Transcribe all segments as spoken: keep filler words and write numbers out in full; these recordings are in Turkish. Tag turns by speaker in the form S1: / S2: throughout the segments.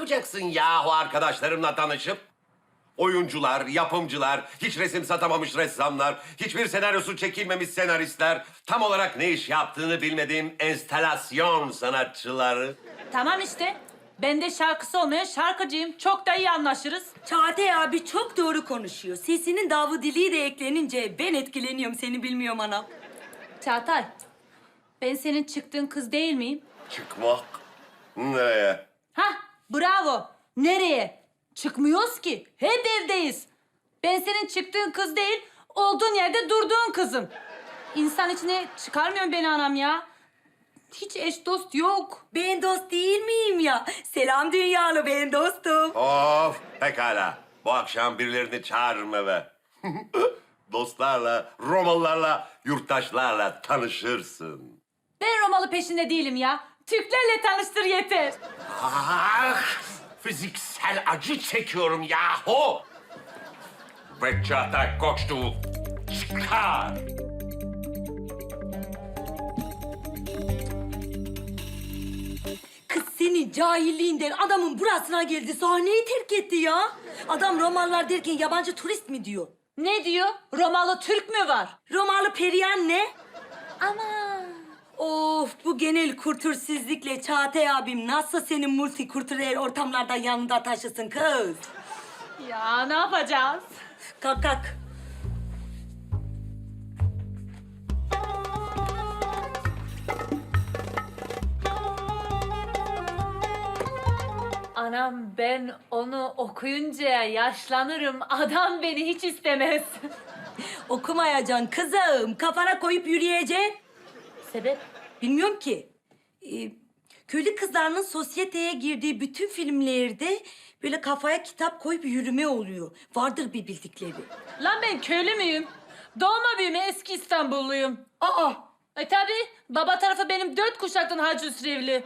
S1: yapacaksın yahu arkadaşlarımla tanışıp? Oyuncular, yapımcılar, hiç resim satamamış ressamlar, hiçbir senaryosu çekilmemiş senaristler, tam olarak ne iş yaptığını bilmediğim enstalasyon sanatçıları.
S2: Tamam işte. Ben de şarkısı olmayan şarkıcıyım. Çok da iyi anlaşırız.
S3: Çağatay abi çok doğru konuşuyor. Sesinin davudiliği de eklenince ben etkileniyorum, seni bilmiyorum anam.
S2: Çağatay, ben senin çıktığın kız değil miyim?
S1: Çıkmak? Nereye?
S2: Hah, bravo. Nereye? Çıkmıyoruz ki. Hep evdeyiz. Ben senin çıktığın kız değil, olduğun yerde durduğun kızım. İnsan içine çıkarmıyor beni anam ya. Hiç eş dost yok.
S3: Ben dost değil miyim ya? Selam dünyalı, ben dostum.
S1: Of, pekala. Bu akşam birilerini çağırırım eve. Dostlarla, Romalılarla, yurttaşlarla tanışırsın.
S2: Ben Romalı peşinde değilim ya. Türklerle tanıştır yeter.
S1: Ah, fiziksel acı çekiyorum yahu. Ve Çağatay Koçtu çıkar.
S3: Kız senin cahilliğinden adamın burasına geldi, sahneyi terk etti ya. Adam Romalılar derken yabancı turist mi diyor?
S2: Ne diyor? Romalı Türk mü var?
S3: Romalı periyan ne?
S2: Ama
S3: Of, bu genel kültürsüzlükle Çağatay abim nasıl senin multikültürel ortamlarda yanında taşısın kız?
S2: ya ne yapacağız?
S3: Kalk kalk.
S2: Anam ben onu okuyunca yaşlanırım. Adam beni hiç istemez.
S3: Okumayacaksın kızım. Kafana koyup yürüyeceksin.
S2: Sebep?
S3: Bilmiyorum ki. Ee, köylü kızlarının sosyeteye girdiği bütün filmlerde böyle kafaya kitap koyup yürüme oluyor. Vardır bir bildikleri.
S2: Lan ben köylü müyüm? Doğma büyüme eski İstanbulluyum.
S3: Aa!
S2: E tabi baba tarafı benim dört kuşaktan Hacı Üsrevli.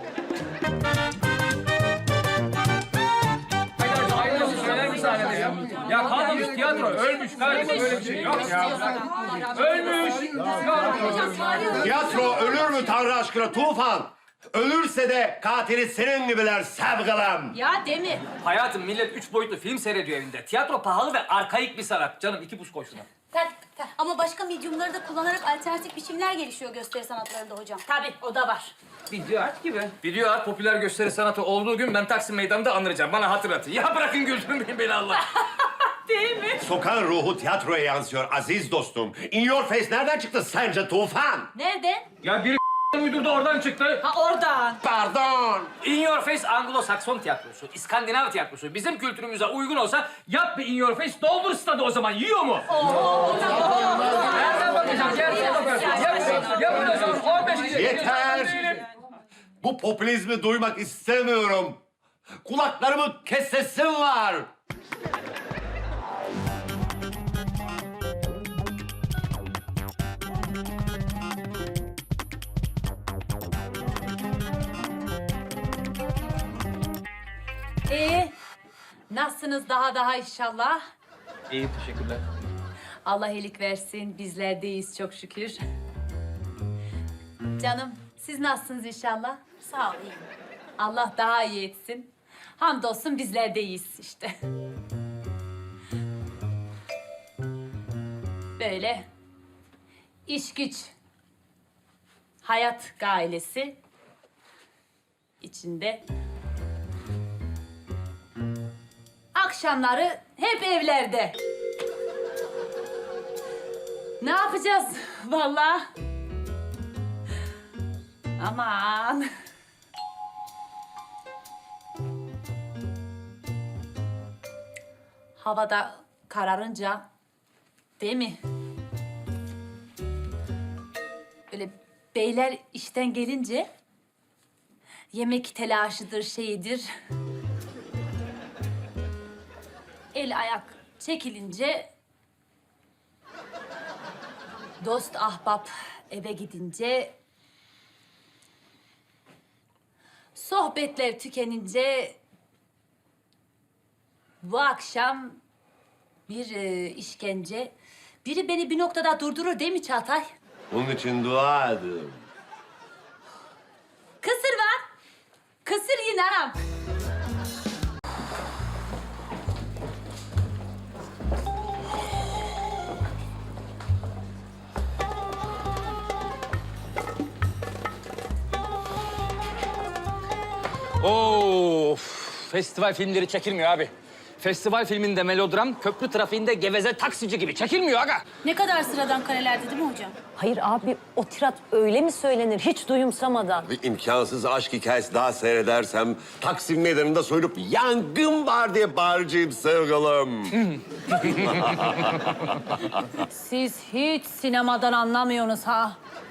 S4: Aynısı söyler mi sahnede ya? Ya kalmamış tiyatro, ölmüş kardeşim, böyle bir şey yok ya. Ölmüş.
S1: Tiyatro ölür mü Tanrı aşkına Tufan? Ölürse de katili senin gibiler sevgilim.
S2: Ya Demir.
S4: Hayatım millet üç boyutlu film seyrediyor evinde. Tiyatro pahalı ve arkaik bir sanat. Canım iki buz koy şuna.
S5: Tak, tak. Ama başka medyumları da kullanarak alternatif biçimler gelişiyor gösteri sanatlarında hocam.
S2: Tabi o da var.
S4: Video art gibi. Video art popüler gösteri sanatı olduğu gün ben Taksim Meydanı'nda anıracağım. Bana hatırlatın. Ya bırakın güldürmeyin beni Allah.
S2: Değil mi?
S1: Sokağın ruhu tiyatroya yansıyor aziz dostum. In your face nereden çıktı sence Tufan?
S2: Nereden?
S4: Ya biri uydurdu oradan çıktı.
S2: Ha oradan.
S1: Pardon.
S4: In Your Face Anglo-Sakson tiyatrosu, İskandinav tiyatrosu bizim kültürümüze uygun olsa yap bir In Your Face, doldur stadı o zaman. Yiyor mu? Nereden bakacağım? Yerden bakarsın. Yap, yapın o zaman. on beş kişi.
S1: Yeter. Bu popülizmi duymak istemiyorum. Kulaklarımı kesesim var.
S2: Ee, nasılsınız daha daha inşallah?
S4: İyi, teşekkürler.
S2: Allah iyilik versin. Bizler de iyiyiz çok şükür. Canım, siz nasılsınız inşallah?
S5: Sağ ol, iyiyim.
S2: Allah daha iyi etsin. Hamdolsun bizler de iyiyiz işte. Böyle iş güç, hayat gailesi içinde. Akşamları hep evlerde. Ne yapacağız vallahi? Aman. Havada kararınca, değil mi? Böyle beyler işten gelince yemek telaşıdır, şeyidir. El ayak çekilince, dost ahbap eve gidince, sohbetler tükenince bu akşam bir e, işkence. Biri beni bir noktada durdurur değil mi Çağatay?
S1: Bunun için dua edin.
S2: Kısır var. Kısır yine anam.
S4: Of, festival filmleri çekilmiyor abi. Festival filminde melodram, köprü trafiğinde geveze taksici gibi çekilmiyor aga.
S5: Ne kadar sıradan karelerdi değil mi hocam?
S6: Hayır abi, o tirat öyle mi söylenir hiç duyumsamadan?
S1: Bir imkansız aşk hikayesi daha seyredersem Taksim Meydanı'nda soyunup yangın var diye bağıracağım sevgilim.
S2: Siz hiç sinemadan anlamıyorsunuz ha.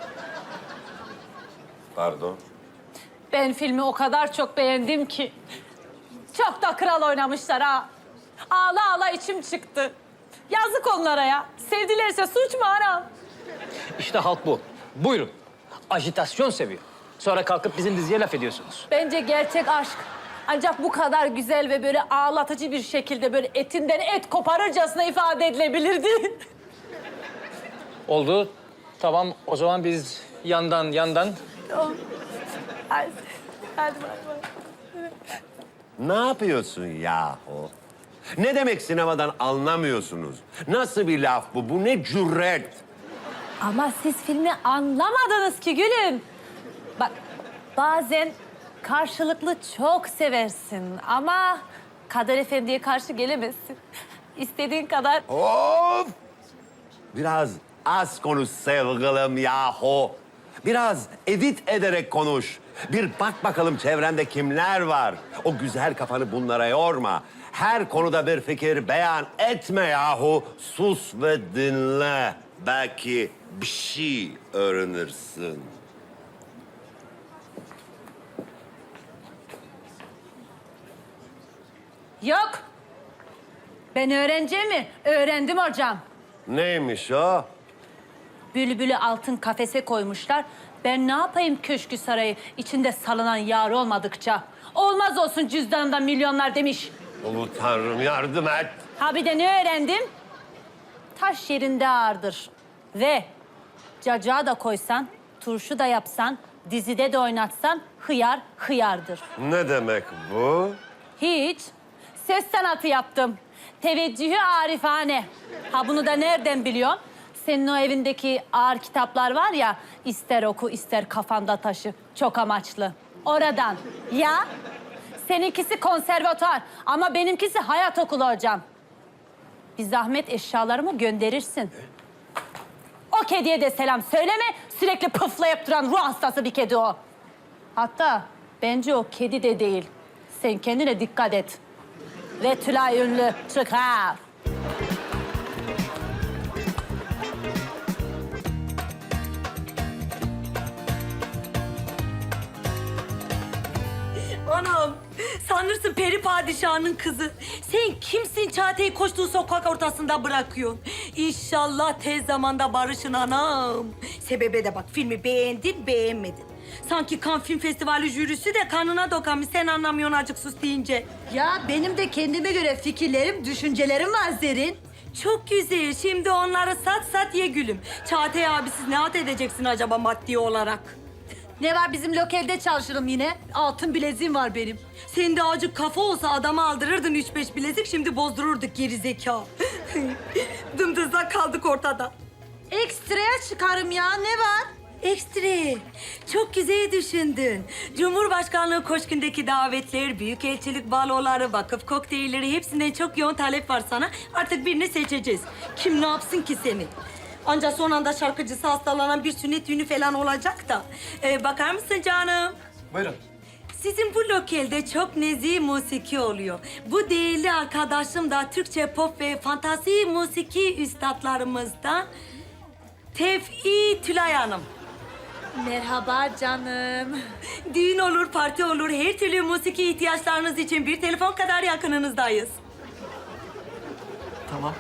S1: Pardon.
S2: Ben filmi o kadar çok beğendim ki. Çok da kral oynamışlar ha. Ağla ağla içim çıktı. Yazık onlara ya. Sevdilerse suç mu anam?
S4: İşte halk bu. Buyurun. Ajitasyon seviyor. Sonra kalkıp bizim diziye laf ediyorsunuz.
S2: Bence gerçek aşk ancak bu kadar güzel ve böyle ağlatıcı bir şekilde böyle etinden et koparırcasına ifade edilebilirdi.
S4: Oldu. Tamam, o zaman biz yandan yandan...
S2: Hadi, hadi, hadi.
S1: Ne yapıyorsun yahu? Ne demek sinemadan anlamıyorsunuz? Nasıl bir laf bu? Bu ne cüret?
S2: Ama siz filmi anlamadınız ki gülüm. Bak bazen karşılıklı çok seversin ama Kader Efendi'ye karşı gelemezsin. İstediğin kadar...
S1: Of! Biraz az konuş sevgilim yahu. Biraz edit ederek konuş. Bir bak bakalım çevrende kimler var. O güzel kafanı bunlara yorma. Her konuda bir fikir beyan etme yahu. Sus ve dinle. Belki bir şey öğrenirsin.
S2: Yok. Ben öğreneceğim mi? Öğrendim hocam.
S1: Neymiş o?
S2: Bülbülü altın kafese koymuşlar. Ben ne yapayım köşkü sarayı içinde salınan yar olmadıkça? Olmaz olsun cüzdanımda milyonlar demiş.
S1: Ulu Tanrım yardım et.
S2: Ha bir de ne öğrendim? Taş yerinde ağırdır. Ve cacığa da koysan, turşu da yapsan, dizide de oynatsan hıyar hıyardır.
S1: Ne demek bu?
S2: Hiç. Ses sanatı yaptım. Teveccühü arifane. Ha bunu da nereden biliyorsun? Senin o evindeki ağır kitaplar var ya, ister oku ister kafanda taşı. Çok amaçlı. Oradan. Ya? Seninkisi konservatuar ama benimkisi hayat okulu hocam. Bir zahmet eşyalarımı gönderirsin. O kediye de selam söyleme. Sürekli pıflayıp duran ruh hastası bir kedi o. Hatta bence o kedi de değil. Sen kendine dikkat et. Ve Tülay Ünlü çıkar.
S3: Anam, sanırsın peri padişahının kızı. Sen kimsin Çağatay'ı koştuğu sokak ortasında bırakıyorsun? İnşallah tez zamanda barışın anam. Sebebe de bak, filmi beğendin, beğenmedin. Sanki Cannes Film Festivali jürisi de kanına dokanmış. Sen anlamıyorsun acık sus deyince.
S2: Ya benim de kendime göre fikirlerim, düşüncelerim var Zerin.
S3: Çok güzel. Şimdi onları sat sat ye gülüm. Çağatay abi siz ne at edeceksin acaba maddi olarak?
S2: Ne var bizim lokelde çalışırım yine. Altın bileziğim var benim.
S3: Senin de acık kafa olsa adama aldırırdın üç beş bilezik, şimdi bozdururduk geri zeka. Dımdızlak kaldık ortada.
S2: Ekstraya çıkarım ya ne var?
S3: Ekstra. Çok güzel düşündün. Cumhurbaşkanlığı Koşkun'daki davetler, büyükelçilik baloları, vakıf kokteylleri hepsinden çok yoğun talep var sana. Artık birini seçeceğiz. Kim ne yapsın ki seni? Ancak son anda şarkıcısı hastalanan bir sünnet düğünü falan olacak da. Ee, bakar mısın canım?
S4: Buyurun.
S3: Sizin bu lokelde çok nezih musiki oluyor. Bu değerli arkadaşım da Türkçe pop ve fantasi musiki üstadlarımızdan Tevfi Tülay Hanım.
S2: Merhaba canım.
S3: Düğün olur, parti olur, her türlü musiki ihtiyaçlarınız için bir telefon kadar yakınınızdayız.
S4: Tamam.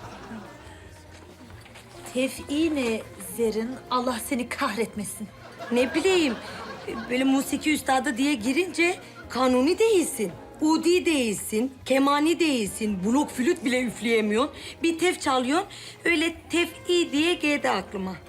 S2: Tev'i ne Zerin? Allah seni kahretmesin.
S3: Ne bileyim, böyle musiki üstadı diye girince kanuni değilsin. Udi değilsin, kemani değilsin, blok flüt bile üfleyemiyorsun. Bir tef çalıyorsun, öyle tef'i diye geldi aklıma.